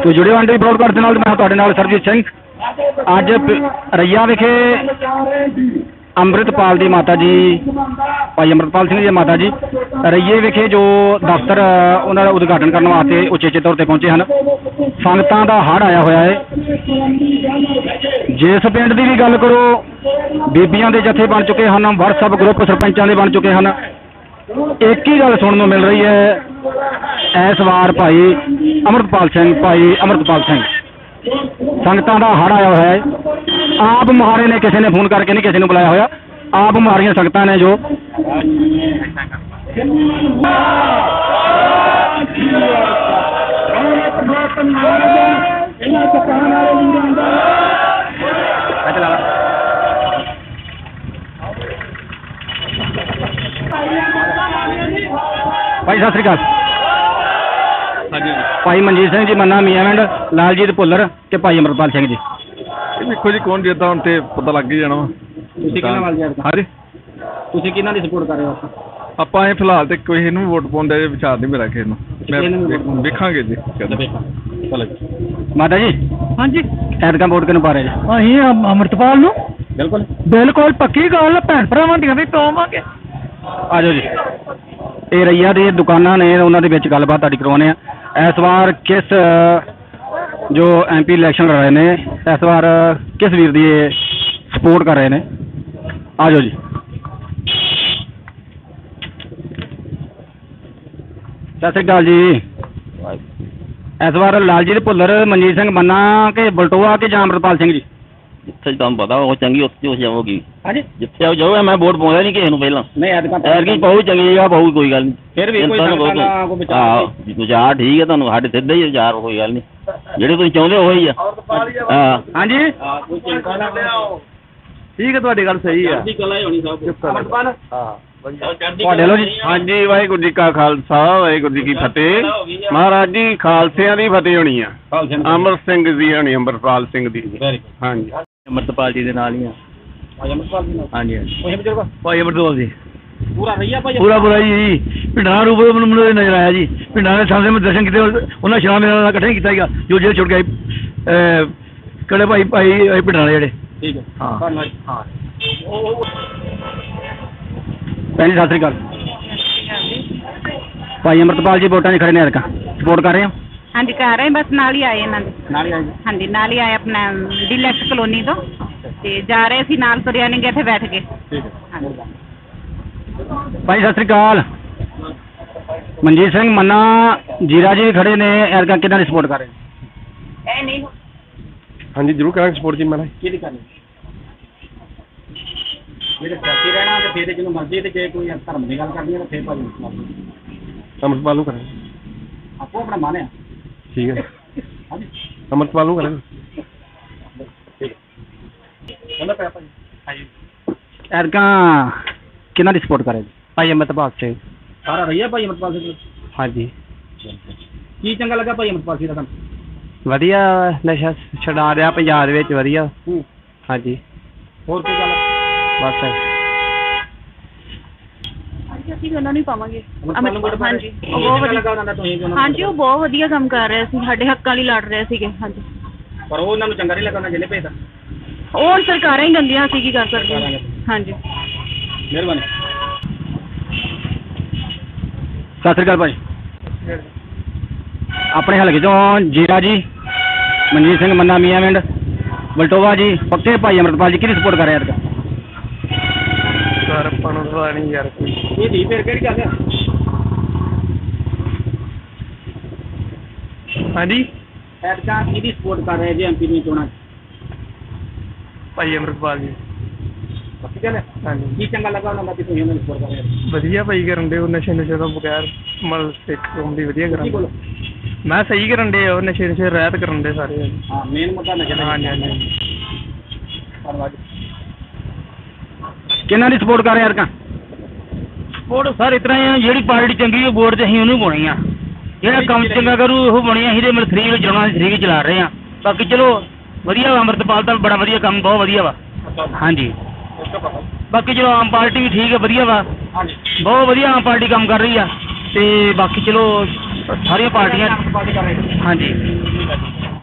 तो जुड़े हो अंडे ब्रॉडकास्ट नाल मैं तुहाडे नाल सरजीत सिंह। अज रैया विखे अमृतपाल दी माता जी भाई अमृतपाल सिंह जी माता जी रैये विखे जो दफ्तर उन्होंने उद्घाटन करने वास्ते उचेचे तौर पर पहुंचे हैं। संगतां दा हड़ आया होया है। जिस पिंड की भी गल करो बीबियां दे जत्थे बन चुके हैं, व्हाट्सएप ग्रुप सरपंचां दे बन चुके हैं। एक ही गल सुनने मिल रही है इस बार भाई अमृतपाल सिंह संगतां दा हड़ आया हुआ है। आप मुहारे ने किसी ने फोन करके नहीं किसी ने बुलाया होया, आप मुहारियां संगतां ने जो भाई सत श्री अकाल भाई मनजीत सिंह जी मन्ना मियाँविंड लालजीत भुल्लर ते भाई अमृतपाल सिंह जी। देखो जी कौन जीतदा हुण ते पता लग ही जाना वा। हाँ जी तुसीं किहनां दी सपोर्ट कर रहे हो? ਆਪਾਂ ਇਹ ਫਿਲਹਾਲ ਤੇ ਕੋਈ ਇਹਨੂੰ ਵੋਟ ਪਾਉਣ ਦਾ ਵਿਚਾਰ ਨਹੀਂ ਮੇਰਾ ਕਿਸੇ ਨੂੰ। ਮੈਂ ਵੇਖਾਂਗੇ ਜੀ ਚਲੋ ਮਾਤਾ ਜੀ। हाँ जी ਐਤਕਾਂ ਵੋਟ ਕਿਹਨੂੰ ਪਾ ਰਹੇ ਜੀ? ਅਸੀਂ ਅਮਰਤਪਾਲ ਨੂੰ ਬਿਲਕੁਲ ਬਿਲਕੁਲ ਪੱਕੀ ਗੱਲ ਭੈਣ ਭਰਾਵਾਂ ਦੀਆਂ ਵੀ ਪਾਵਾਂਗੇ। ਆ ਜਾਓ ਜੀ। ਇਹ ਰਈਆ ਦੇ ਦੁਕਾਨਾਂ ਨੇ ਉਹਨਾਂ ਦੇ ਵਿੱਚ ਗੱਲਬਾਤ ਤੁਹਾਡੀ ਕਰਵਾਉਣੇ ਆ। ਇਸ ਵਾਰ ਕਿਸ ਜੋ MP ਇਲੈਕਸ਼ਨ ਲੜ ਰਹੇ ਨੇ ਇਸ ਵਾਰ ਕਿਸ ਵੀਰ ਦੀ ਸਪੋਰਟ ਕਰ ਰਹੇ ਨੇ? ਆ ਜਾਓ ਜੀ। ਸਤਿ ਸ਼੍ਰੀ ਅਕਾਲ ਜੀ। ਇਸ ਵਾਰ ਲਾਲਜੀਤ ਭੁੱਲਰ ਮਨਜੀਤ ਸਿੰਘ ਮੰਨਾ ਕਿ ਬਲਟੋਆ ਕਿ ਜਾਂ ਅਮਰਤਪਾਲ ਸਿੰਘ ਜੀ? ਜਿੱਥੇ ਤੁਹਾਨੂੰ ਪਤਾ ਉਹ ਚੰਗੀ ਉੱਥੇ ਹੋ ਜਾਊਗੀ। ਹਾਂਜੀ ਜਿੱਥੇ ਉਹ ਜਾਊਗਾ ਮੈਂ ਵੋਟ ਪਾਉਂਦਾ ਨਹੀਂ ਕਿਸੇ ਨੂੰ ਪਹਿਲਾਂ। ਨਹੀਂ ਐਤਕੀ ਬਹੁਤ ਚੰਗੀ ਜਗ੍ਹਾ ਬਹੁਤ ਕੋਈ ਗੱਲ ਨਹੀਂ। ਫਿਰ ਵੀ ਕੋਈ ਵਿਚਾਰ ਠੀਕ ਹੈ ਤੁਹਾਨੂੰ ਸਾਡੇ ਸਿੱਧੇ ਹੀ ਵਿਚਾਰ ਕੋਈ ਗੱਲ ਨਹੀਂ ਜਿਹੜੇ ਤੁਸੀਂ ਚਾਹੁੰਦੇ ਉਹ ਹੀ ਆ। ਹਾਂ ਹਾਂਜੀ ਠੀਕ ਹੈ ਤੁਹਾਡੀ ਗੱਲ ਸਹੀ ਆ। ਤੁਹਾਡੇ ਲੋ ਜੀ। ਹਾਂਜੀ ਵਾਹਿਗੁਰੂ ਜੀ ਕਾ ਖਾਲਸਾ ਵਾਹਿਗੁਰੂ ਜੀ ਕੀ ਫਤਿਹ। ਮਹਾਰਾਜ ਜੀ ਖਾਲਸਿਆਂ ਦੀ ਫਤਿਹ ਹੋਣੀ ਆ। ਅਮਰ ਸਿੰਘ ਜੀ ਹੋਣੀ ਅਮਰਪਾਲ ਸਿੰਘ ਦੀ। ਹਾਂਜੀ ਅਮਰਤਪਾਲ ਜੀ ਦੇ ਨਾਲ ਹੀ ਆ। ਭਾਈ ਅਮਰਤਪਾਲ ਜੀ ਨਾਲ। ਹਾਂਜੀ ਉਹੀ ਬਜ਼ੁਰਗ ਭਾਈ ਅਮਰਤਪਾਲ ਜੀ ਪੂਰਾ ਰਈਆ ਭਾਈ ਪੂਰਾ ਜੀ ਪਿੰਡਾਂ ਰੂਪ ਮੈਨੂੰ ਨਜ਼ਰ ਆਇਆ ਜੀ। ਪਿੰਡਾਂ ਦੇ ਸਾਹਮਣੇ ਮੈਂ ਦਰਸ਼ਨ ਕੀਤੇ ਉਹਨਾਂ ਸ਼ਾਮ ਮੇਰੇ ਨਾਲ ਇਕੱਠੇ ਕੀਤਾ ਸੀਗਾ ਜੋ ਜਿਹੜੇ ਛੁੱਟ ਗਏ ਕਿਹੜੇ ਭਾਈ ਪਿੰਡਾਂ ਵਾਲੇ ਜਿਹੜੇ। ਠੀਕ ਹੈ ਹਾਂ ਧੰਨਵਾਦ। ਹਾਂ ਭੈਣ ਜੀ ਸਤਿ ਸ਼੍ਰੀ ਅਕਾਲ। ਭਾਈ ਅਮਰਤਪਾਲ ਜੀ ਵੋਟਾਂ 'ਚ ਖੜੇ ਨੇ ਐਤਕਾਂ ਸਪੋਰਟ ਕਰ ਰਹੇ ਹੋ? ਹਾਂਜੀ ਕਰ ਰਹੇ ਬਸ ਨਾਲ ਹੀ ਆਏ ਇਹਨਾਂ ਦੇ। ਨਾਲ ਹੀ ਆਏ ਹਾਂਜੀ ਨਾਲ ਹੀ ਆਏ ਆਪਣਾ ਡੀਲੈਕਸ ਕਲੋਨੀ ਤੋਂ ਤੇ ਜਾ ਰਹੇ ਸੀ ਨਾਲ ਤੁਰਿਆ ਨਹੀਂ ਗਏ ਇੱਥੇ ਬੈਠ ਕੇ। ਠੀਕ ਹੈ ਹਾਂਜੀ ਭਾਈ ਸਤਿ ਸ਼੍ਰੀ ਅਕਾਲ। ਮਨਜੀਤ ਸਿੰਘ ਮੰਨਾ ਜੀਰਾ ਜੀ ਵੀ ਖੜੇ ਨੇ ਐਤਕਾਂ ਕਿਹਨਾਂ ਦੀ ਸਪੋਰਟ ਕਰ ਰਹੇ ਨੇ? ਇਹ ਨਹੀਂ ਹਾਂਜੀ ਜ਼ਰੂਰ ਕਰਾਂਗੇ ਸਪੋਰਟ ਜੀ ਮਹਾਰਾਜ। ਕਿਹਦੀ ਕਰਨੀ? ਜਿਹੜੇ ਸਿਆਸੀ ਰਹਿਣਾ ਤੇ ਫਿਰ ਜਿਹਨੂੰ ਮਰਜ਼ੀ ਤੇ ਜੇ ਕੋਈ ਧਰਮ ਦੀ ਗੱਲ ਕਰਨੀ ਹੈ ਤਾਂ ਫਿਰ ਭਾਈ ਅਮਰਪਾਲ ਨੂੰ ਕਰਾਂਗੇ। ਆਪੋ ਆਪਣਾ ਮਨ ਆ। ਠੀਕ ਹੈ ਹਾਂਜੀ ਅਮਰਪਾਲ ਨੂੰ ਕਰਾਂਗੇ। ਕਹਿੰਦਾ ਪਿਆ ਭਾਈ। ਹਾਂਜੀ ਐਤਕਾਂ ਕਿਹਨਾਂ ਦੀ ਸਪੋਰਟ ਕਰ ਰਹੇ ਜੀ? ਭਾਈ ਅਮਰਤਪਾਲ ਸਿੰਘ। ਸਾਰਾ ਰਹੀਆ ਭਾਈ ਅਮਰਤਪਾਲ ਸਿੰਘ। ਹਾਂਜੀ ਕੀ ਚੰਗਾ ਲੱਗਾ ਭਾਈ ਅਮਰਤਪਾਲ ਸਿੰਘ ਦਾ ਤੁਹਾਨੂੰ? ਵਧੀਆ ਨਸ਼ਾ ਛਡਾ ਰਿਹਾ ਪੰਜਾਬ ਦੇ ਵਿੱਚ ਵਧੀਆ। ਹਾਂਜੀ ਹੋਰ ਕੋਈ ਗੱਲ? ਬਸ ਅਸੀਂ ਵੀ ਉਹਨਾਂ ਨੂੰ ਹੀ ਪਾਵਾਂਗੇ। ਅਮਰਤਪਾਲ ਨੂੰ ਵੋਟ ਪਾ ਰਹੇ? ਹਾਂਜੀ ਉਹ ਬਹੁਤ ਚੰਗਾ ਲੱਗਾ ਵਧੀਆ। ਉਹਨਾਂ ਦਾ ਤੁਸੀਂ ਵੀ ਉਹਨਾਂ ਹਾਂਜੀ ਉਹ ਬਹੁਤ ਵਧੀਆ ਕੰਮ ਕਰ ਰਹੇ ਸੀ, ਸਾਡੇ ਹੱਕਾਂ ਲਈ ਲੜ ਰਹੇ ਸੀਗੇ। ਹਾਂਜੀ ਪਰ ਉਹ ਉਹਨਾਂ ਨੂੰ ਚੰਗਾ ਨਹੀਂ ਲੱਗਾ ਉਹਨਾਂ ਜਿਹਨੇ ਭੇਜਦਾ। ਉਹ ਹੁਣ ਸਰਕਾਰਾਂ ਹੀ ਗੰਦੀਆਂ, ਅਸੀਂ ਕੀ ਕਰ ਸਕਦੇ ਹਾਂ। ਹਾਂਜੀ ਮਿਹਰਬਾਨੀ। ਸਤਿ ਸ਼੍ਰੀ ਅਕਾਲ ਭਾਈ। ਆਪਣੇ ਹਲਕੇ ਚੋਂ ਜੀਰਾ ਜੀ ਮਨਜੀਤ ਸਿੰਘ ਮੰਨਾ ਮਿਆਂਵਿੰਡ ਬਲਟੋਵਾ ਜੀ ਪੱਕੇ ਭਾਈ ਅਮਰਤਪਾਲ ਜੀ ਕਿਹਦੀ ਸਪੋਰਟ ਕਰ ਰਹੇ ਅੱਜ? ਸਰ ਆਪਾਂ ਨੂੰ ਪਤਾ ਨਹੀਂ ਯਾਰ ਇਹ ਦੀ ਫਿਰ ਕਿਹੜੀ ਗੱਲ ਆ? ਹਾਂਜੀ ਐਤਕਾਂ ਕਿਹਦੀ ਸਪੋਰਟ ਕਰ ਰਹੇ ਜੀ MP ਦੀ ਚੋਣਾਂ 'ਚ? ਭਾਈ ਅਮਰਤਪਾਲ ਜੀ। ਪੱਕੀ ਗੱਲ ਹੈ? ਹਾਂਜੀ ਕੀ ਚੰਗਾ ਲੱਗਾ ਉਹਨਾਂ ਦਾ ਕਿ ਤੁਸੀਂ ਉਹਨਾਂ ਨੂੰ ਸਪੋਰਟ ਕਰ ਰਹੇ ਹੋ? ਵਧੀਆ ਭਾਈ ਕਰਨ ਦੇ ਉਹ ਨਸ਼ੇ ਤੋਂ ਬਗੈਰ ਮਤਲਬ ਸਿੱਖ ਕੌਮ ਦੀ ਵਧੀਆ ਕੀ ਕਰਨ ਬੋਲੋ? ਮੈਂ ਸਹੀ ਕਰਨ ਦੇ ਉਹ ਨਸ਼ੇ ਰਹਿਤ ਕਰਨ ਦੇ ਸਾਰੇ। ਹਾਂ ਮੇਨ ਮੁੱਦਾ ਨਸ਼ਾ ਦਾ। ਹਾਂਜੀ ਹਾਂਜੀ ਧੰਨਵਾਦ। ਕਿਹਨਾਂ ਦੀ ਸਪੋਰਟ ਕਰ ਰਹੇ ਯਾਰ? ਵੋਟ ਸਰ ਇਤਨਾ ਹੀ ਆ ਜਿਹੜੀ ਪਾਰਟੀ ਚੰਗੀ ਉਹ ਵੋਟ ਤੇ ਅਸੀਂ ਉਹਨੂੰ ਪਾਉਣੀ ਆ। ਜਿਹੜਾ ਕੰਮ ਚੰਗਾ ਕਰੂ ਉਹ ਬਣੀ। ਅਸੀਂ ਤੇ ਮਤਲਬ ਫ੍ਰੀ ਵਿੱਚ ਚਲਾਉਣਾ ਫ੍ਰੀ ਚਲਾ ਰਹੇ ਆ। ਬਾਕੀ ਚਲੋ ਵਧੀਆ ਵਾ ਅਮਰਤਪਾਲ ਦਾ ਬੜਾ ਵਧੀਆ ਕੰਮ ਬਹੁਤ ਵਧੀਆ ਵਾ। ਹਾਂਜੀ ਬਾਕੀ ਚਲੋ ਆਮ ਪਾਰਟੀ ਵੀ ਠੀਕ ਹੈ ਵਧੀਆ ਵਾ। ਹਾਂਜੀ ਬਹੁਤ ਵਧੀਆ ਆਮ ਪਾਰਟੀ ਕੰਮ ਕਰ ਰਹੀ ਆ ਤੇ ਬਾਕੀ ਚਲੋ ਸਾਰੀਆਂ ਪਾਰਟੀਆਂ ਹਾਂਜੀ